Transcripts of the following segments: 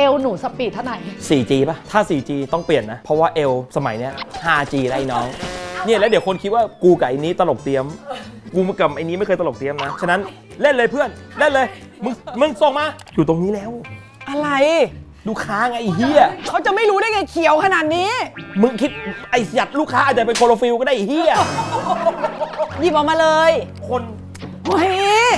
ลหนูสปีดเท่าไหร่ 4G ป่ะถ้า 4G ต้องเปลี่ยนนะเพราะว่าเอลสมัยเนี้ย 5G ไรน้องเนี่ยแล้วเดี๋ยวคนคิดว่ากูกับไอ้นี้ตลกเตรียมกูมากับไอ้นี้ไม่เคยตลกเตรียมนะฉะนั้นเล่นเลยเพื่อนเล่นเลยมึงส่งมาอยู่ตรงนี้แล้วอะไรลูกค้าไงไอ้เหี้ยเขาจะไม่รู้ได้ไงเขียวขนาดนี้มึงคิดไอ้หยัดลูกค้าอาจจะเป็นโคโลฟิลก็ได้ไอ้เหี้ยหยิบออกมาเลยคนเฮ้ย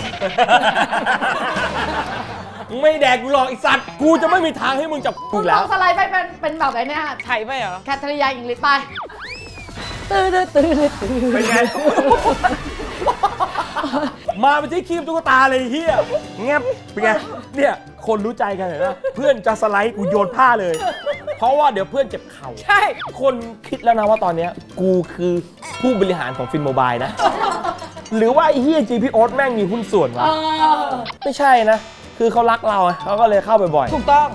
มึงไม่แดกกูหรอกไอ้สัตว์กูจะไม่มีทางให้มึงจับกูมึงแล้ลวองสไลด์ไปเป็นแบบไหนเนี่ยไถไปเหรอแคทริยาอิงลิชไปตื้อเป็นไง มาเป็นที่คีบตุ๊กตาเลยเฮียเงียบเป็นไงเนี่ยคนรู้ใจกันเห็นไหมเพื่อนจะสไลด์กูโยนผ้าเลย เพราะว่าเดี๋ยวเพื่อนเจ็บเข่าใช่คนคิดแล้วนะว่าตอนเนี้ยกูคือผู้บริหารของฟินโมบายนะ หรือว่าไอ้เฮียจีพีโอ๊ตแม่งมีหุ้นส่วนวะไม่ใช่นะ คือเขารักเราเขาก็เลยเข้าไปบ่อยถูกต้อง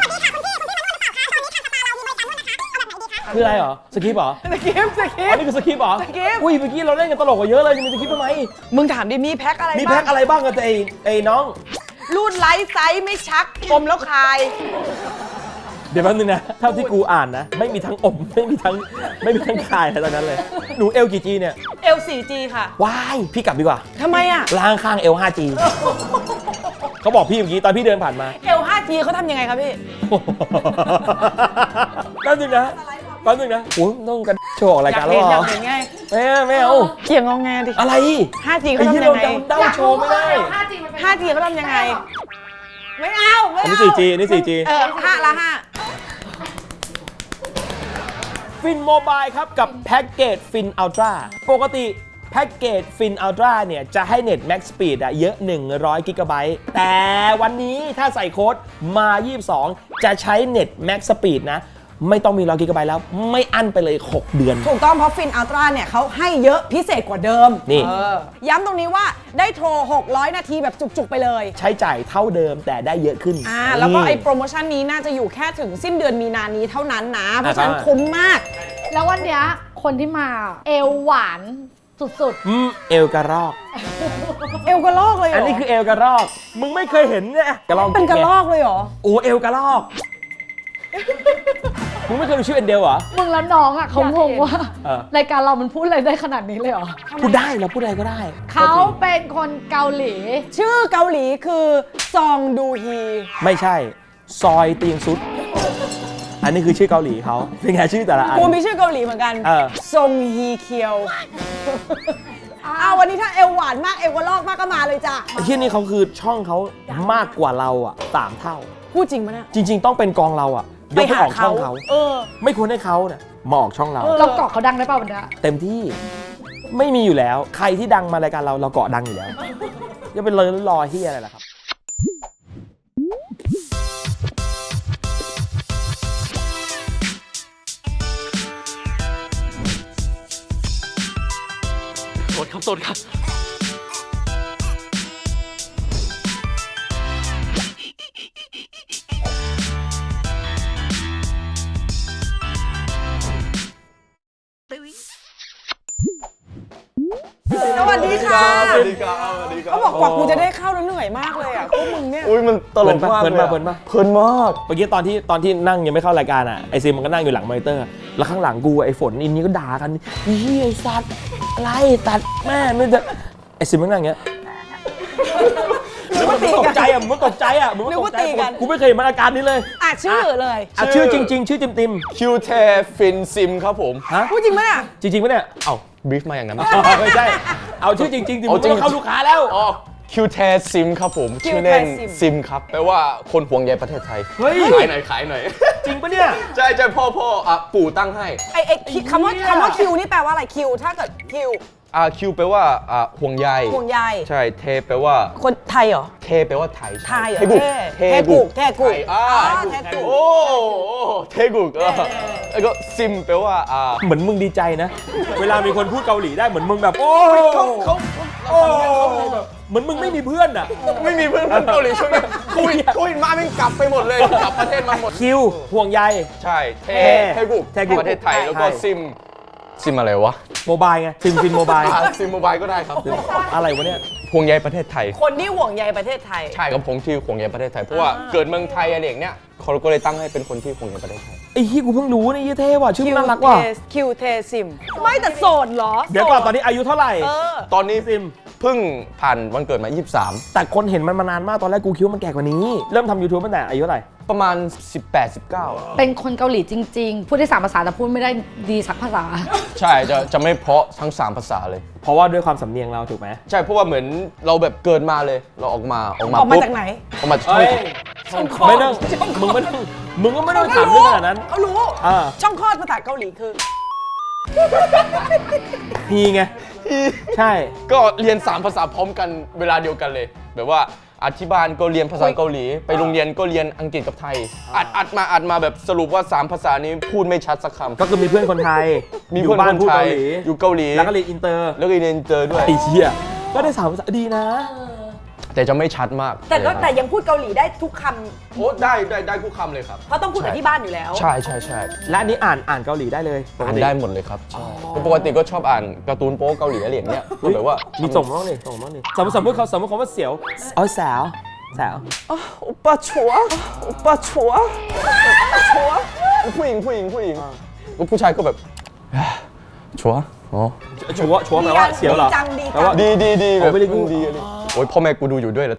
คืออะไรเหรอสคริปต์เหรอสกิปต์อันนี้คือสคริปต์เหรอสคริปต์อุ้ยเมื่อกี้เราเล่นกันตลกกว่าเยอะเลยจะมีสคริปต์ทำไมมึงถามดิมีแพ็คอะไรมีบ้างแพ็คอะไรบ้างกันไอ้น้องรูดไลท์ไซส์ไม่ชักอมแล้วคายเดี๋ยวแป๊บนึงนะเท่าที่กูอ่านนะ ไม่มีทั้งอมไม่มีทั้งคายอะไรตอนนั้นเลย หนูเอลกี่จีเนี่ย L4G ค่ะว้ายพี่กลับดีกว่าทำไมอ่ะล้างข้างเอล 5G เขาบอกพี่เมื่อกี้ตอนพี่เดินผ่านมา L5G เขาทำยังไงครับพี่แป๊บนึงนะโอ้ยต้องกันโชว์ออกรายการแล้วเหรอยาอกเห็นไงไม่เอาเกี่ยงงอแงดิอะไร 5G เขาไอ้ที่ทำเรายังไงเดาโชว์ไม่ได้ 5G มันเป็น 5G เขาทำยังไง ไม่เอาอันนี้ 4G อันนี้ 4G 5 ละ 5 ฟินโมบายครับกับแพ็กเกจฟินอัลตร้าปกติแพ็กเกจฟินอัลตร้าเนี่ยจะให้เน็ตแม็กสปีดเยอะ100กิกะไบต์แต่วันนี้ถ้าใส่โค้ดมา22จะใช้เน็ตแม็กสปีดนะไม่ต้องมี100กิกะไบต์แล้วไม่อั้นไปเลย6เดือนถูกต้องเพราะฟินอัลตร้าเนี่ยเขาให้เยอะพิเศษกว่าเดิมนี่ย้ำตรงนี้ว่าได้โทร 600 นาทีแบบจุกๆไปเลยใช้จ่ายเท่าเดิมแต่ได้เยอะขึ้นแล้วก็ไอ้โปรโมชั่นนี้น่าจะอยู่แค่ถึงสิ้นเดือนมีนานี้เท่านั้นนะ เพราะฉะนั้นคุ้มมากแล้ววันเนี้ยคนที่มาเอวหวานสุดเอลกระรอกเอวกระลอกเลยเหรออัอันนี้คือเอลกระรอกมึงไม่เคยเห็นเนี่ยกระรอกเป็นกระลอกเลยเหรอโอ้เอลกระรอกมึงไม่เคยดูชื่อเอ็นเดลเหรอๆ มึงแล้วน้องอ่ะเขางงว่าเออรายการเรามันพูดอะไรได้ขนาดนี้เลยเหรอพูดได้เราพูดอะไรก็ได้เขาเป็นคนเกาหลีชื่อเกาหลีคือซองดูฮีไม่ใช่ ซอยเตียงซุด อันนี้คือชื่อเกาหลีเขาเป็นไงชื่อแต่ละอันกูมีชื่อเกาหลีเหมือนกันเออซงฮีเคียววันนี้ถ้าเอวหวานมากเอวกระลอกมากก็มาเลยจ้ะไอ้ที่นี่เขาคือช่องเขามากกว่าเราอ่ะ3 เท่าพูดจริงปะเนี่ยจริง ๆ ต้องเป็นกองเราอ่ะยกไปออกช่องเขาเออไม่ควรให้เขาเนี่ยมาออกช่องเราเราเกาะเขาดังได้ป่าววันเนี้ยเต็มที่ไม่มีอยู่แล้ว ใครที่ดังมารายการเราเกาะดังอยู่แล้วจะเป็นเลยรอเฮียอะไรล่ะครับโสดครับสวัสดีค่ะสวัสดีครับ สวัสดีครับเขาบอกกว่ากูจะได้เข้าแล้วเหนื่อยมากเลยอ่ะพวกมึงเนี่ยอุ้ยมันตลกมากเพลินเลยปะอะเพลินปะเพลินมากเมื่อกี้ตอนที่นั่งยังไม่เข้ารายการอ่ะไอซิมมันก็นั่งอยู่หลังมอนิเตอร์ แล้วข้างหลังกูไอฝนอินนี่ก็ด่ากันเฮียไอสัตว์อะไรตัดแม่ไม่ได้ไอซิมมันนั่งอย่างเงี้ยนึกว่าตีตกกันใจอ่ะมึงตกใจอ่ะมึงนึกว่าตีกันกูไม่เคยเห็นมันอาการนี้เลยชื่อเลยอ่ะชื่อจริง ๆ ชื่อติมคิวเทฟินซิมครับผมๆฮะพูดจริงปะเนี่ยจริงๆปะเนี่ยเอ้าบรีฟมาอย่างนั้นไม่ใช่เอาชื่อจริงๆดิมึเอางจริงก็เข้าลูกค้าแล้วอ๋อคิวเทซิมครับผมคิวเทชื่อเล่นซิมซิมครับแปลว่าคนห่วงใยประเทศไทยเฮ้ยขายหน่อยขายหน่อยจริงปะเนี่ยใช่ใช่พ่อปู่ตั้งให้ไอ้คำว่าคิวนี่แปลว่าอะไรคิวถ้าเกิดคิวคิวแปลว่าห่วงใยห่วงใยใช่เทแปลว่าคนไทยเหรอเทแปลว่าไทยไทยเหรอเทกุกเทกุกเทกุกไทยเทกุกโอ้เทกุกแล้วก็ซิมแปลว่าเหมือนมึงดีใจนะ เวลามีคนพูดเกาหลีได้เหมือนมึงแบบโอ้เขาโอ้แบบเหมือนมึงไม่มีเพื่อนอ่ะไม่มีเพื่อนเกาหลีช่วงนี้โควิดมาไม่กลับไปหมดเลยกลับประเทศมาหมดคิวห่วงใยใช่เทกุกเทกุกประเทศไทยแล้วก็ใช่ซิมซิมอะไรวะโมบายไงฟินโมบายซิมโมบายก็ได้ครับอะไรวะเนี่ยห่วงใยประเทศไทยคนที่ห่วงใยประเทศไทยใช่ครับผมที่ห่วงใยประเทศไทย เพราะว่าเกิดเมืองไทยอะไรอย่างเนี้ยเขาก็เลยตั้งให้เป็นคนที่ห่วงใยประเทศไทยไอ้ที่กูเพิ่งรู้นี่ยี่เท่ว่ะชื่อน่ารักว่ะคิวเทซิม ไม่แต่โสดเหรอเดี๋ยวก่อนตอนนี้อายุเท่าไหร่เออตอนนี้ซิมเพิ่งผ่านวันเกิดมาแต่คนเห็นมันมานานมากตอนแรกกูคิดว่ามันแก่กว่านี้ เริ่มทำ YouTube ตั้งแต่อายุเท่าไหร่ 23 ประมาณ 18-19 เป็นคนเกาหลีจริง ๆ พูดได้3 ภาษาแต่พูดไม่ได้ดีสักภาษาใช่จะไม่เพราะทั้ง 3 ภาษาเลยเพราะว่าด้วยความสำเนียงเราถูกไหมใช่เพราะว่าเหมือนเราแบบเกิดมาเลย เราออกมาออกมาปุ๊บจากไหนออกมาเอ้ยช่องคลอดไม่ต้องมึงก็ไม่ต้องถามเรื่องขนาดนั้นเขารู้อ่าช่องคลอดภาษาเกาหลีคือฮีไง ใช่ก็เรียน 3 ภาษาพร้อมกันเวลาเดียวกันเลย แบบว่าที่บ้านก็เรียนภาษาเกาหลี ไปโรงเรียนก็เรียนอังกฤษกับไทย อัดมาแบบสรุปว่า 3 ภาษานี้พูดไม่ชัดสักคำก็คือมีเพื่อนคนไทยมีเพื่อนยู่บ้าคนพูดไทเกาย หลีอยู่เกาหลีแล้วก็เรียนอินเตอร์แล้วก็เรียนอินเตอร์ด้วยไอ้เชี่ยก็ได้3 ภาษาดีนะแต่จะไม่ชัดมากแต่ยังพูดเกาหลีได้ทุกคโอ้ได้ทุกคำเลยครับำเพราะต้องพูดกับที่บ้านอยู่แล้วใช่และอันนี้อ่านเกาหลีได้เลยปกอ่านติได้หมดเลยครับใช่ปกติก็ชอบอ่านการ์ตูนโป๊เกาหลีอะไรอย่างเงี้ยก็แบบว่ามีส่งมาบ้างดิส่งมาบ้างดิสมมติคำว่าเสียวเอาสาวโอป้าชัวผู้หญิงก็ผู้ชายก็แบบชัวอ๋อชัวแปลว่าเสียวเหรอดีจังดีจังแปลว่าดีแบอ๋บอไม่ได้กูดีอะไรโอ้ยพ่อแม่กูดูอยู่ด้วยเหรอ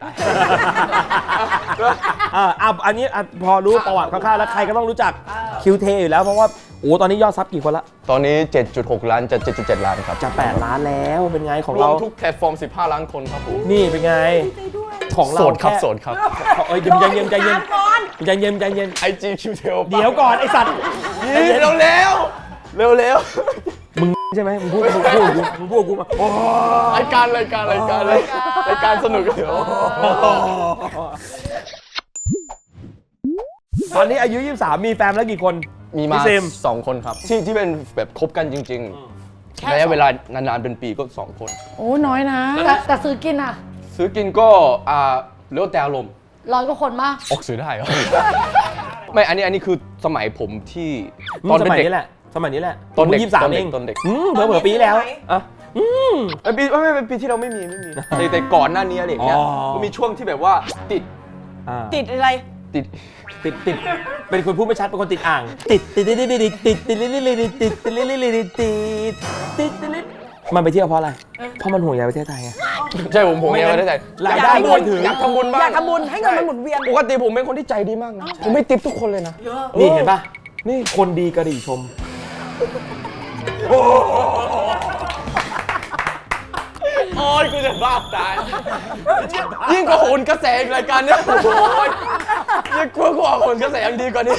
อันนี้พอรู้ประวัติคร่าวๆแล้วใครก็ต้องรู้จักคิวเทอยู่แล้วเพราะว่าโอ้ตอนนี้ยอดซับกี่คนละตอนนี้ 7.6 ล้านจะ 7.7 ล้านครับจะ8 ล้านแล้วเป็นไงของรวเรามทุกแพลตฟอร์ม 15 ล้านคนครับผมนี่เป็นไงของเราโสดครับแโสดครับเอ้ยใจเย็นใจเย็นก่อนใจเย็น IG คิวเทลเดี๋ยวก่อนไอสัตว์เร็วมึงใช่ไหมมึงพูดกูมาโอ้รายการสนุกเดี๋ยวตอนนี้อายุ 23 มีแฟนแล้วกี่คนมีมาพี่เซม 2 คนครับ ที่เป็นแบบคบกันจริงๆระยะเวลานานๆเป็นปีก็ 2 คนโอ้น้อยนะแต่ซื้อกินอ่ะซื้อกินก็เลี้ยวแต่อารมณ์ 100 กว่าคนมากออกซื้อได้เหรอ ไม่อันนี้คือสมัยผมที่ตตออน นเป็นสมัยเด็กนี้แหละสมัยนี้แหละตอนเด็กผม23 เองตอนเด็กเผลอๆปีแล้วอ่ะปีไม่เป็นปีที่เราไม่มีแต่ก่อนหน้านี้อะไรอย่างเงี้ยอ๋อก็มีช่วงที่แบบว่าติดติดอะไรเป็นคนพูดไม่ชัดเป็นคนติดอ่างมันไปเที่ยวเพราะอะไรเพราะมันห่วงใยประเทศไทยไงใช่ผมยังไม่ได้ใจรายได้ไม่ถึงอยากทำบุญบ้างอยากทำบุญให้เงินมันหมุนเวียนปกติผมเป็นคนที่ใจดีมากนะผมไม่ติปทุกคนเลยนะนี่เห็นป่ะนี่คนดีกระดิ่งชมโอ้ยกูจะบ้าตายยิ่งกว่าโหนกระแสอีกรายการเนี้ยโอ้ยยิ่งกว่าโหนกระแสยังดีกว่านี้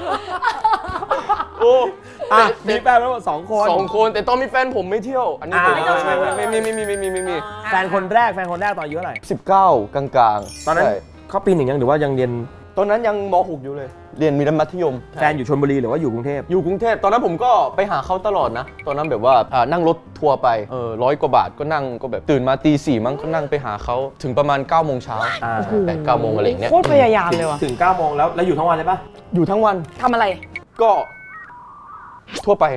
โอ้มีแฟนทั้งหมด2 คน 2 คนแต่ตอนมีแฟนผมไม่เที่ยว อันนี้ผมไม่มีแฟนคนแรกตอนอายุเท่าไหร่ 19 กลางๆตอนนั้นใช่เขาปี 1ยังหรือว่ายังเรียนตอนนั้นยังม .6 อยู่เลย เรียนมัธยมแฟนอยู่ชลบุรีหรือว่าอยู่กรุงเทพอยู่กรุงเทพตอนนั้นผมก็ไปหาเขาตลอดนะ ตอนนั้นแบบว่านั่งรถทัวร์ไป100 กว่าบาทก็นั่งก็แบบตื่นมาตี 4มั้งก็นั่งไปหาเขาถึงประมาณ 9 โมงเช้า 8-9 โมงอะไรอย่างเงี้ยโคตรพยายามเลยว่ะถึง9 โมงแล้วอยู่ทั้งวันเลยปะอยู่ทั้งวันทำอะไรก็ทั่วไป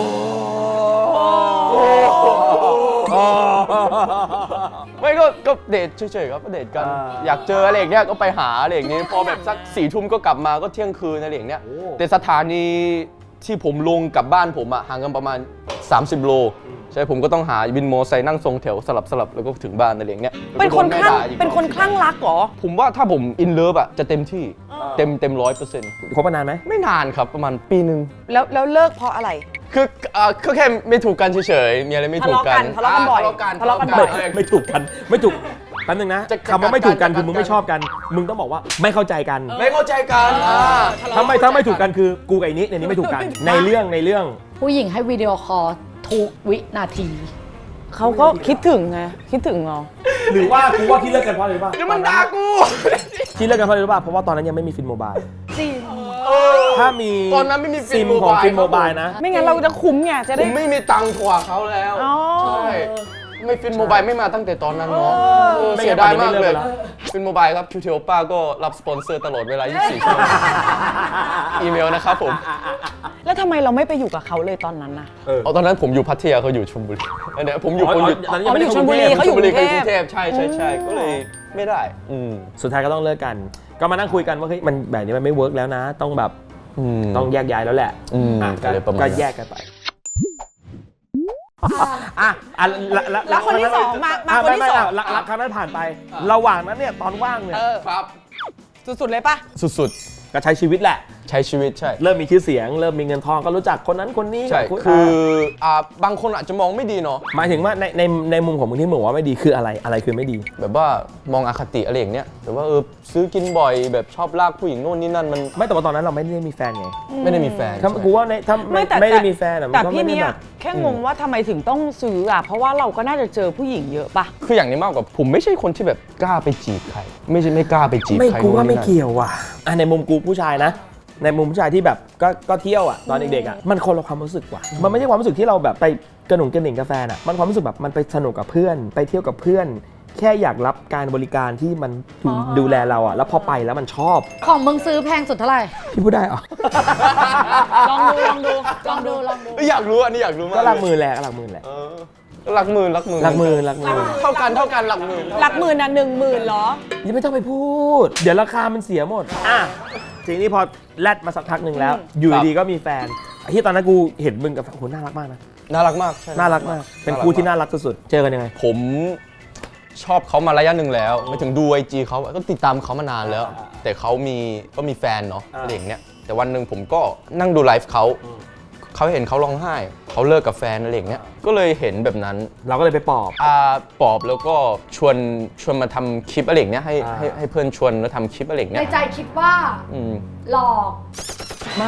ไม่ก็เดทเฉยๆครับก็เดทกัน อยากเจออะไรอย่างเงี้ยก็ไปหาอะไรอย่างงี้พอแบบสัก4 ทุ่มก็กลับมาก็เที่ยงคืนอะไรอย่างเงี้ยแต่สถานีที่ผมลงกับบ้านผมห่างกันประมาณ30 โลใช่ผมก็ต้องหาวินมอไซค์นั่งทรงแถวสลับแล้วก็ถึงบ้านอะไรอย่างเงี้ยเป็นคนคลั่งรักเหรอผมว่าถ้าผมอินเลิฟจะเต็มที่เต็ม100% คบมานานไหมไม่นานครับประมาณปีนึงแล้วเลิกเพราะอะไรคือแค่ไม่ถูกกันเฉยๆมีอะไรไม่ถูกกันทะเลาะกันบ่อยทะเลาะกันบ่อยไม่ถูกกันแป๊บนึงนะคำว่าไม่ถูกกันคือมึงไม่ชอบกัน มึงต้องบอกว่าไม่เข้าใจกันไม่เข้าใจกันถ้าไม่ถูกกันคือกูกับไอ้นี้ในนี้ไม่ถูกกันในเรื่องผู้หญิงให้วิดีโอคอลทุกวินาทีเขาก็คิดถึงไง คิดถึงเหรอหรือว่ากูว่าที่เลิกกันเพราะอะไรรู้ป่ะนี่มันด่ากูที่เลิกกันเพราะอะไรรู้ป่ะเพราะว่าตอนนั้นยังไม่มีฟินโมบายจริงถ้ามีตอนนั้นไม่มีฟิซินมโมของบายฟินโมบายนะไม่งั้นเราจะคุ้มไง จะผได้มไม่มีตังค์ถั่วเขาแล้วอ๋อใช่ไม่ฟินโมบายไม่มาตั้งแต่ตอนนั้นเนาะไม่เสียดายมากเลยไม่เลิกไปแล้วฟินโมบายครับคิวเทลป้าก็รับสปอนเซอร์ตลอดเวลา 24 ชั่วโมงอีเมลนะครับผมแล้วทำไมเราไม่ไปอยู่กับเขาเลยตอนนั้นน่ะเอาตอนนั้นผมอยู่พัทยาเขาอยู่ชลบุรีอันเนี้ยผมอยู่ตอนนี้ยังไม่ได้ชลบุรีเขาอยู่กรุงเทพใช่ก็เลยไม่ได้สุดท้ายก็ต้องเลิกกัน ก็มานั่งคุยกันว่าเฮ้ยมันแบบนี้มันไม่เวิร์กแล้วนะ ต้องแบบต้องแยกย้ายแล้วแหละก็แยกกันไปแล้วคนที่สองมาคนที่สองหลักครั้งนั้นผ่านไป ระหว่างนั้นเนี่ยตอนว่างเนี่ยครับสุดๆเลยปะสุดก็ใช้ชีวิตแหละๆใช้ชีวิตใช่เริ่มมีชื่อเสียง เริ่มมีเงินทองก็รู้จักคนนั้นคนนี้ใช่คือบางคนอาจจะมองไม่ดีเนาะหมายถึงว่าในมุมของมึงที่มึงบอกว่าไม่ดีคืออะไรคือไม่ดีแบบว่ามองอคติอะไรอย่างเนี้ยแบบว่าซื้อกินบ่อยแบบชอบลากผู้หญิงโน่นนี่นั่นมันไม่แต่ว่าตอนนั้นเราไม่ได้มีแฟนไงไม่ได้มีแฟนถ้ากูว่าถ้าไม่ได้มีแฟนแต่พี่เนี่ยแค่งงว่าทำไมถึงต้องซื้ออ่ะเพราะว่าเราก็น่าจะเจอผู้หญิงเยอะปะคืออย่างนี้มากกว่าผมไม่ใช่คนที่แบบกล้าไปจีบใครไม่กล้าไปจีบไม่ใครกูว่าไม่เกี่ยวว่ะในมุมกูผู้ชายนะ ในมุมผู้ชายที่แบบก็เที่ยวอ่ะตอนเด็กๆอ่ะมันคนละความรู้สึกว่ะมันไม่ใช่ความรู้สึกที่เราแบบไปกระหนุ่งกระหนิ่งกาแฟนอ่ะมันความรู้สึกแบบมันไปสนุกกับเพื่อนไปเที่ยวกับเพื่อน แค่อยากรับการบริการที่มันดูแลเราอ่ะแล้วพอไปแล้วมันชอบของมึงซื้อแพงสุดเท่าไหร่พี่พูดได้เหรอลองดูอยากรู้อันนี้อยากรู้มากก็หลักหมื่นแหละหลักหมื่นแหละหลักหมื่นหลักหมื่นเท่ากันหลักหมื่นหลักหมื่นอ่ะ10,000เหรอยังไม่ต้องไปพูด เดี๋ยวราคามันเสียหมดทีนี้พอแลดมาสักพักหนึ่งแล้ว อยู่ดีก็มีแฟนที่ตอนนั้นกูเห็นมึงกับโหน่ารักมากนะน่ารักมากใช่น่ารักมากเป็นคู่ที่น่ารักสุดๆเจอกันยังไงผมชอบเขามาระยะหนึ่งแล้วไม่ถึงดูIGเขาก็ติดตามเขามานานแล้ว แต่เขาก็มีแฟนเนาะอะไรอย่างเนี้ยแต่วันหนึ่งผมก็นั่งดูไลฟ์เขาเห็นเขาร้องไห้เขาเลิกกับแฟนอะไรอย่างเงี้ยก็เลยเห็นแบบนั้นเราก็เลยไปปอบปอบแล้วก็ชวนมาทำคลิปอะไรอย่างเนี้ยให้เพื่อนชวนมาทำคลิปอะไรอย่างในเนี้ยใจคิดว่าหลอกไม่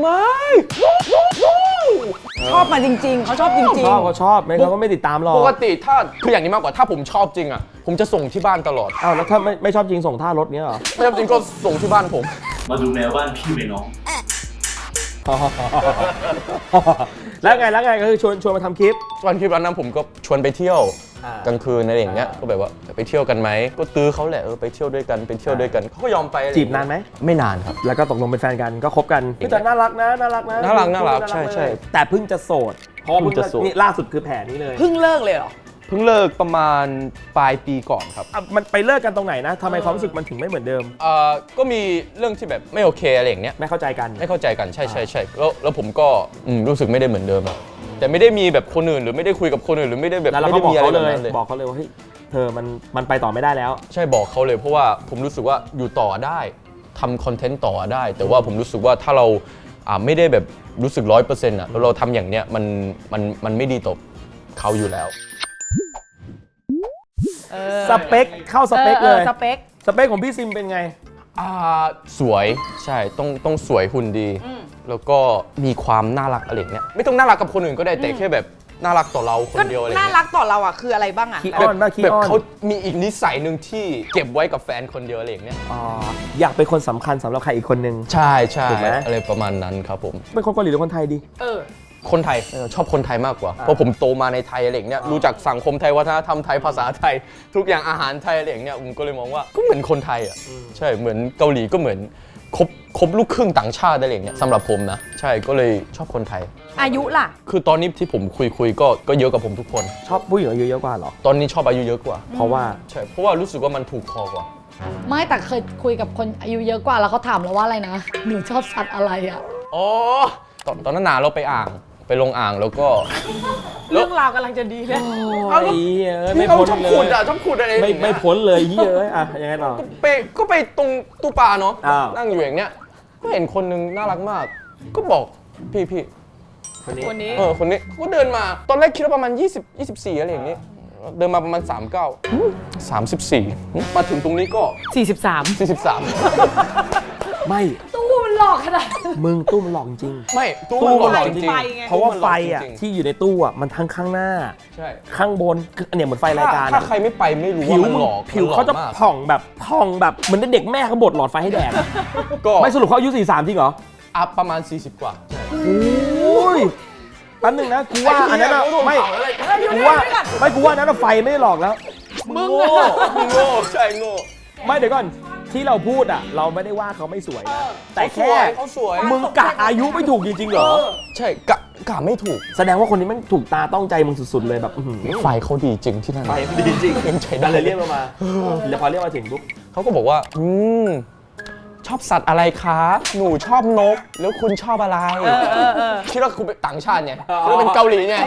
ชอบมาจริงๆเขาชอบจริงเขาชอบไม่เขาก็ไม่ติดตามหรอกปกติถ้าคืออย่างนี้มากกว่าถ้าผมชอบจริงอ่ะผมจะส่งที่บ้านตลอดอ้าวแล้วถ้าไม่ชอบจริงส่งท่ารถเนี้ยเหรอไม่ชอบจริงก็ส่งที่บ้านผมมาดูแมวบ้านพี่ไหมน้องแล้วไงก็คือชวนมาทำคลิปวันคลิปนั้นผมก็ชวนไปเที่ยวกลางคืนอะไรอย่างเงี้ยก็แบบว่าไปเที่ยวกันไหมก็ตื้อเขาแหละไปเที่ยวด้วยกันเขาก็ยอมไปจีบนานไหมไม่นานครับแล้วก็ตกลงเป็นแฟนกันก็คบกันแต่น่ารักนะน่ารักใช่แต่เพิ่งจะโสดเพราะว่าเพิ่งจะโสดนี่ล่าสุดคือแผนนี้เลยๆเพิ่งเลิกเลยเหรอเพิ่งเลิกประมาณปลายปีก่อนครับมันไปเลิกกันตรงไหนนะทำไมความรู้สึกมันถึงไม่เหมือนเดิมก็มีเรื่องที่แบบไม่โอเคอะไรอย่างเงี้ยไม่เข้าใจกันไม่เข้าใจกันใช่แล้วผมก็รู้สึกไม่ได้เหมือนเดิมอะแต่ไม่ได้มีแบบคนอื่นหรือไม่ได้คุยกับคนอื่นหรือไม่ได้แบบแล้วเราไม่ก็ได้บอกมีอะไรเขาแบเลยบนั้นเลยบอกเขาเลยว่าเฮ้ยเธอมันไปต่อไม่ได้แล้วใช่บอกเขาเลยเพราะว่าผมรู้สึกว่าอยู่ต่อได้ทำคอนเทนต์ต่อได้ แต่ว่าผมรู้สึกว่าถ้าเราไม่ได้แบบรู้สึก 100% อ่ะแล้วเราทำอย่างเนี้ยมันไม่ดีต่อเขาอยู่แล้วสเปคเข้าสเปคเลยสเปคของพี่ซิมเป็นไงสวยใช่ต้องสวยหุ่นดี แล้วก็มีความน่ารักอะไรอย่างเงี้ยไม่ต้องน่ารักกับคนอื่นก็ได้แต่แค่แบบน่ารักต่อเราคนก็เดียวอะไรน่าเงี้ยรักต่อเราอ่ะคืออะไรบ้างอ่ะขี้อ้อนมากขี้แบบอ้อนเขามีอีกนิสัยหนึ่งที่เก็บไว้กับแฟนคนเดียวอะไรอย่างเงี้ยอยากเป็นคนสำคัญสำหรับใครอีกคนนึงใช่ถูกไหมอะไรประมาณนั้นครับผมเป็นคนเกาหลีหรือคนไทยดีคนไทยชอบคนไทยมากกว่าเพราะผมโตมาในไทยอะไรอย่างเงี้ยรู้จักสังคมไทยวัฒนธรรมไทยภาษาไทย ทุกอย่างอาหารไทยอะไรอย่างเงี้ยผมก็เลยมองว่าก็เหมือนคนไทยอ่ะใช่เหมือนเกาหลีก็เหมือนครบลูกครึ่งต่างชาติอะไรอย่างเงี้ยสำหรับผมนะใช่ก็เลยชอบคนไทยอายุล่ะคือตอนนี้ที่ผมคุยก็เยอะกับผมทุกคนชอบผู้หญิงอายุเยอะกว่าเหรอตอนนี้ชอบอายุเยอะกว่าเพราะว่าใช่เพราะว่ารู้สึกว่ามันถูกคอกว่าไม่แต่เคยคุยกับคนอายุเยอะกว่าแล้วเขาถามเราว่าอะไรนะหนูชอบสัตว์อะไรอ่ะอ๋อตอนนั้นนาเราไปลงอ่างแล้วก็เรื่องราวกำลังจะดีเลยเอาไม่พ้นชอบขุดอะไรไม่พ้นเลยเยอะยังไงต่อก็ไปตรงตู้ปลาเนาะอ้าวนั่งอยู่อย่างเนี้ยก็เห็นคนนึงน่ารักมาก ก็บอกพี่คนนี้คนนี้คนนี้ก็เดินมาตอนแรกคิดว่าประมาณ20 24อะไรอย่างนี้เดินมาประมาณ34มาถึงตรงนี้ก็ 43 43 ไม่ตู้มันหลอกขนาดมึงตู้มันหลอกจริงไม่ตู้ตู้มันมันหหลลออก กจจริริงงๆเพราะว่าไฟอ่ะที่อยู่ในตู้อ่ะมันทั้งข้างหน้าใช่ข้างบนเนี่ยเหมือนไฟรายการถ้าใครไม่ไปไม่รู้ผิว่าว มันหลอกผิวเขาจะมันหลอกมากผ่องแบบเหมือนเด็กแม่เขาบดหลอดไฟให้แดกก็ไม่สรุปเขาอายุ43จริงเหรอประมาณ40 กว่าโอ้ยแป๊บนึงนะกูว่าอันนั้นอะไม่กูว่าอันนั้นอะไฟไม่ได้หลอกแล้วมึงโง่ใช่โง่ไม่เดี๋ยวก่อนที่เราพูดอ่ะเราไม่ได้ว่าเขาไม่สวยนะแต่แค่เขาสวยมึงกะอายุไม่ถูกจริงๆเหรอใช่กะไม่ถูกแสดงว่าคนนี้มันถูกตาต้องใจมึงสุดๆเลยแบบอื้อหือไฟเขาดีจริงที่นั่นไฟดีจริงยังใช้ได้เลยเรียกเรามาแล้วพอเรียกมาถึงปุ๊บเขาก็บอกว่าชอบสัตว์อะไรคะ หนูชอบนก แล้วคุณชอบอะไรคิดว่าคุณเป็นต่างชาติไงคิดว่าเป็นเกาหลีไง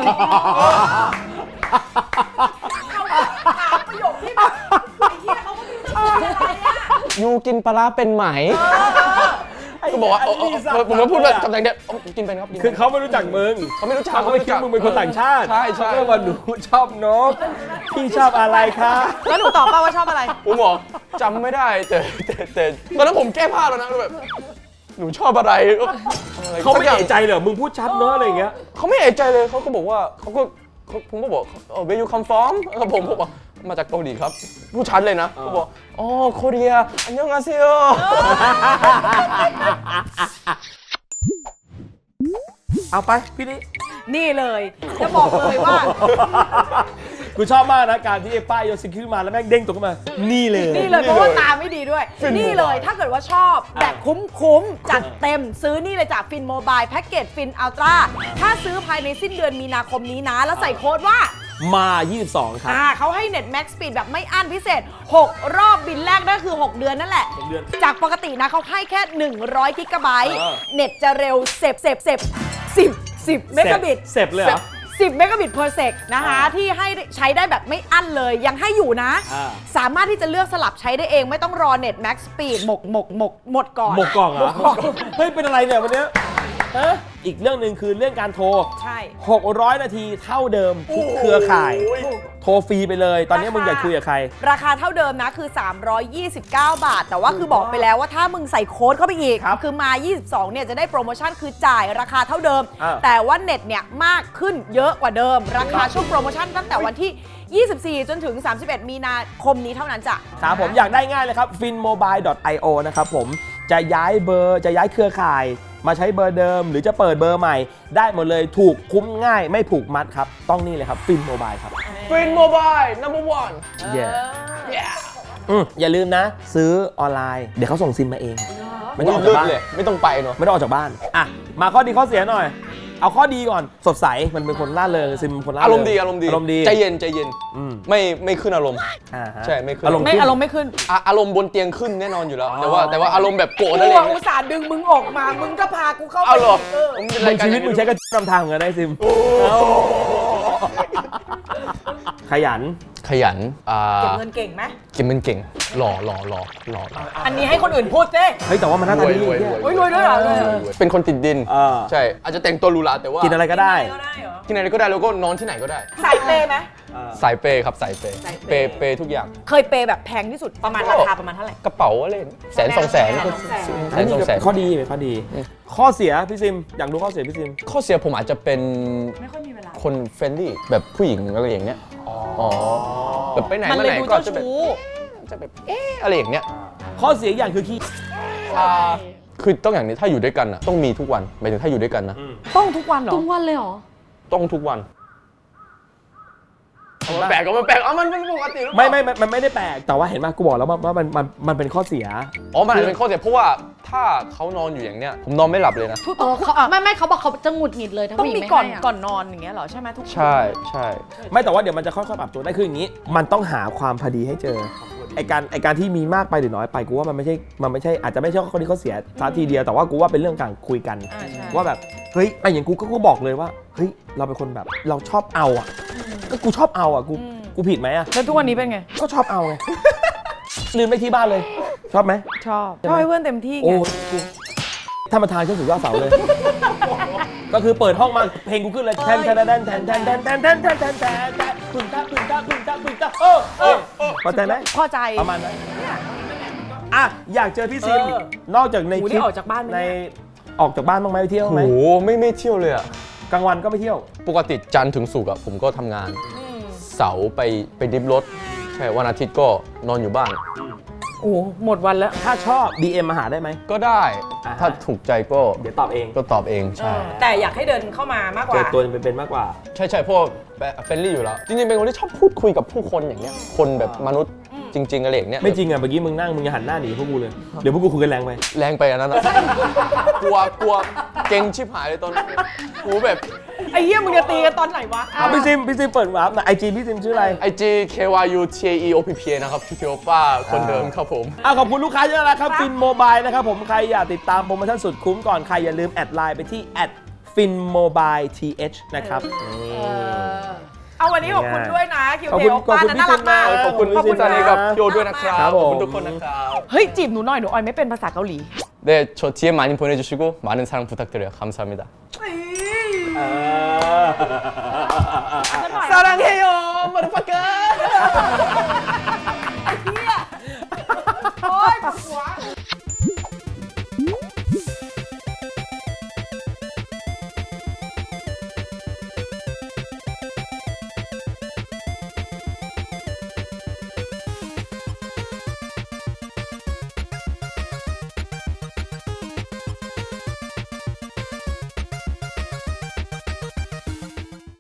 ถามประโยคที่แบบไอ้เหี้ยเขาก็ไม่รู้จะพูดอะไรอะยูกินปลาร้าเป็นไหมก็บอกว่าผมก็พูดแบบคำแดงเดียวกินเป็นครับกินคือเป็นเขาไม่รู้จักมึงเขาไม่รู้จักเขาไม่คิดว่ามึงเป็นคนต่างชาติใช่เขาก็ว่าหนูชอบนกพี่ชอบอะไรคะแล้วหนูตอบป่าว่าชอบอะไรผมบอกจำไม่ได้แต่ตอนนั้นผมแก้ผ้าแล้วนะแบบหนูชอบอะไรเขาไม่เอะใจเหรอมึงพูดชัดเนอะอะไรอย่างเงี้ยเขาไม่เอะใจเลยเขาก็บอกว่าผมก็บอกwhere you come from ผมบอกมาจากเกาหลีครับพูดชัดเลยนะเขาบอกอ๋อโคเรียอันยองอาเซียเอาไปพี่นี่นี่เลยจะบอกเลยว่ากูชอบมากนะการที่ไอ้ป้ายโยนสิ่งขึ้นมาแล้วแม่งเด้งตกขึ้นมานี่เลยนี่เลยเพราะว่าตาไม่ดีด้วย นี่เลยถ้าเกิดว่าชอบแบบคุ้มๆจัดเต็มซื้อนี่เลยจากฟินโมบายแพ็กเกจฟินอัลตร้าถ้าซื้อภายในสิ้นเดือนมีนาคมนี้นะ แล้วใส่โค้ดว่ามา 22 ครับเขาให้เน็ตแม็กซ์สปีดแบบไม่อั้นพิเศษ 6 รอบบินแรกนั่นคือ 6 เดือนนั่นแหละ 6 เดือนจากปกตินะเขาให้แค่ 100 กิกะไบต์ เน็ตจะเร็ว10 เมกะบิตเสร็จเลยเหรอ 10 เมกะบิต per sec นะคะที่ให้ใช้ได้แบบไม่อั้นเลยยังให้อยู่นะ สามารถที่จะเลือกสลับใช้ได้เองไม่ต้องรอเน็ตแม็กซ์สปีดหมดก่อนหมกกล่องเหรอเฮ้ยเป็นอะไรเนี่ยวันเนี้ยฮะอีกเรื่องหนึ่งคือเรื่องการโทรใช่ 600 นาทีเท่าเดิมทุกเครือข่าย โทรฟรีไปเลย ตอนนี้มึงอยากคุยกับใครราคาเท่าเดิมนะคือ 329 บาท แต่ว่าคือบอกไปแล้วว่าถ้ามึงใส่โค้ดเข้าไปอีกครับคือมา 22 เนี่ยจะได้โปรโมชั่นคือจ่ายราคาเท่าเดิมอ่าแต่ว่าเน็ตเนี่ยมากขึ้นเยอะกว่าเดิม ราคาช่วงโปรโมชั่นตั้งแต่วันที่ 24 จนถึง 31 มีนาคมนี้เท่านั้นจ้ะครับผมอยากได้ง่ายเลยครับ finmobile.io นะครับผมจะย้ายเบอร์จะย้ายเครือข่าย มาใช้เบอร์เดิม หรือจะเปิดเบอร์ใหม่ ได้หมดเลยถูกคุ้มง่ายไม่ผูกมัดครับ ต้องนี่เลยครับ Finmobile ครับฟินโมบาย number one yeah อย่าลืมนะ ซื้อออนไลน์ เดี๋ยวเขาส่งซิมมาเอง ไม่ต้องออกจากบ้านเลยไม่ต้องไปเนาะไม่ต้องออกจากบ้านอ่ะมาข้อดีข้อเสียหน่อย เอาข้อดีก่อนสดใสมันเป็นคนล่าเริงซิมเป็นคนล่าเริงอารมณ์ดีอารมณ์ดีใจเย็นอืมไม่ขึ้นอารมณ์อ่าฮะใช่ไม่ขึ้นอารมณ์ไม่ขึ้นอารมณ์ไม่ขึ้นอารมณ์บนเตียงขึ้นแน่นอนอยู่แล้วอ๋อแต่ว่าอารมณ์แบบโกรธกูอะไรอย่างอุเงี้ตยส่าห์ดึงมึงออกมา มึงก็พากูเข้าไปเอาเหรอเออผมเป็นในรายการชีวิตมึงใช้กระนำทางเหมือนกันได้ซิมขยันขยันเก็บเงินเก่งไหมเก็บเงินเก่งหล่ออันนี้ให้คนอื่นพูดสิเฮ้ยแต่ว่ามันหน้าตาดีรวยโอ้ยรวยด้วยเหรอเป็นคนติดดิน ใช่ อาจจะแต่งตัวหรูหราแต่ว่ากินอะไรก็ได้กินอะไรก็ได้แล้วก็นอนที่ไหนก็ได้สายเปย์ไหมสายเปย์ครับสายเปย์สายเปย์เปย์ทุกอย่างเคยเปย์แบบแพงที่สุดประมาณราคาประมาณเท่าไหร่กระเป๋าอะไร100,000 200,000 100,000 ข้อดีไหมข้อดี ข้อเสียพี่ซิมอยากรู้ข้อเสียพี่ซิมข้อเสียผมอาจจะเป็นไม่ค่อยมีเวลาคนเฟรนลี่แบบผู้หญิงอะไรอย่างเงี้ยอ๋อแบบไปไหนมันมาเลยไหนดูก็เจ้าจะแบบชู้อะไรอย่างเงี้ยข้อเสียอย่างคือขี้คือต้องอย่างนี้ถ้าอยู่ด้วยกันอ่ะต้องมีทุกวันหมายถึงถ้าอยู่ด้วยกันนะต้องทุกวันเหรอทุกวันเลยเหรอต้องทุกวันมันแปลกก็มันแปลกมันเป็นปกติหรือเปไม่ล่ามันไม่ได้แปลกแต่ว่าเห็นไหมกูบอกแล้วว่ามันเป็นข้อเสียอ๋อมันอาจจะเป็นข้อเสียเพราะว่าถ้าเขานอนอยู่อย่างเนี้ยผมนอนไม่หลับเลยนะเขาไม่เขาบอกเขาจะหงุดหงิดเลยถ้าต้องผู้หญิมีงไม่ก่อนให้ะก่อนนอนอย่างเงี้ยเหรอใช่ไหมทุกใช่ใช่ไม่แต่ว่าเดี๋ยวมันจะค่อยๆปรับตัวได้คืออย่างนี้ มันต้องหาความพอดีให้เจอไอการที่มีมากไปหรือน้อยไปกูว่ามันไม่ใช่อาจจะไม่ใช่ข้อดีข้อเสียซะทีเดียวแต่ว่ากูว่าเป็นเรื่องการคุยกัน ว่าแบบเฮ้ยไออย่างกูบอกเลยว่าเฮ้ยเราเป็นคนแบบเราชอบเอาอ่ะก็กูชอบเอาอ่ะกูผิดไหมอ่ะแล้วทุกวันนี้เป็นไงก็ชอบเอาไง ลืมไปที่บ้านเลย ชอบไหมชอบให้เพื่อนเต็มที่ไงโอ้กูท่านประธานขึ้นสู่ยอดเสาเลย ก็คือเปิดห้องมาเพลงกูขึ้นเลยแทนแทนแทนแทนแทนแทนแทนแทนแทนแทนแทนแทนปึ้งตาปึ้งตาปึ้งตาปึ้งตาพอใจไหมพอใจประมาณนั้นอ่ะอยากเจอพี่ซิมนอกจากในหูคลินี่ปออกจากบ้านไหมในเนี่ยออกจากบ้านบ้างไหมไปเที่ยวโอ้ไหมโหไม่เที่ยวเลยอ่ะกลางวันก็ไม่เที่ยวปกติจันทร์ถึงศุกร์อะผมก็ทำงาน เสาร์ไปดิฟรถใช่วันอาทิตย์ก็นอนอยู่บ้านโอ้หมดวันแล้วถ้าชอบ DM มาหาได้ไหมก็ได้อ่าฮะถ้าถูกใจก็เดี๋ยวตอบเองก็ตอบเองใช่แต่อยากให้เดินเข้ามามากกเจว่าอตัวเป็นมากกว่าใช่เพราะเฟรนลี่อยู่แล้ว จริงๆเป็นคนที่ชอบพูดคุยกับผู้คนอย่างเงี้ยคนแบบมนุษย์จริงๆอะไรอย่างเนี้ยไม่จริงอ่ะเมื่อกี้มึงนั่งมึงอย่าหันหน้าหนีพวกกูเลย เดี๋ยวพวกกูคุยกันแรงไปแรงไปอันนั้นอะ กลัวเก่งชิบหายเลยตอนกูแบบไอ้เหี้ยมึงจะตีกันตอนไหนวะพี่ซิมเปิดวาร์ปนะไอจีพี่ซิมชื่ออะไร IG KYUTAEOPPA นะครับพี่โอป้าคนเดิมครับผมขอบคุณลูกค้าเยอะนะครับฟินโมบายนะครับผมใครอยากติดตามโปรโมชั่นสุดคุ้มก่อนใครอย่าลืมแอดไลน์ไปที่ @finmobileTH นะครับเอาวันนี้ขอบคุณด้วยนะคิวขอบเคคุณโอป้าขอบคุณน่ารักมากพี่ซิมนะขอบคุณพี่ซิมซานีกับพี่โอด้วยนะครับครับขผมอบคุณทุกคนนะครับเฮ้ยจีบหนูหน่อยหนูออยไม่เป็นภาษาเกาหลี 네, 저 DM 많이 보내주시고 많은 사랑 부탁드려요. 감사합니다. 사랑해요, motherfucker.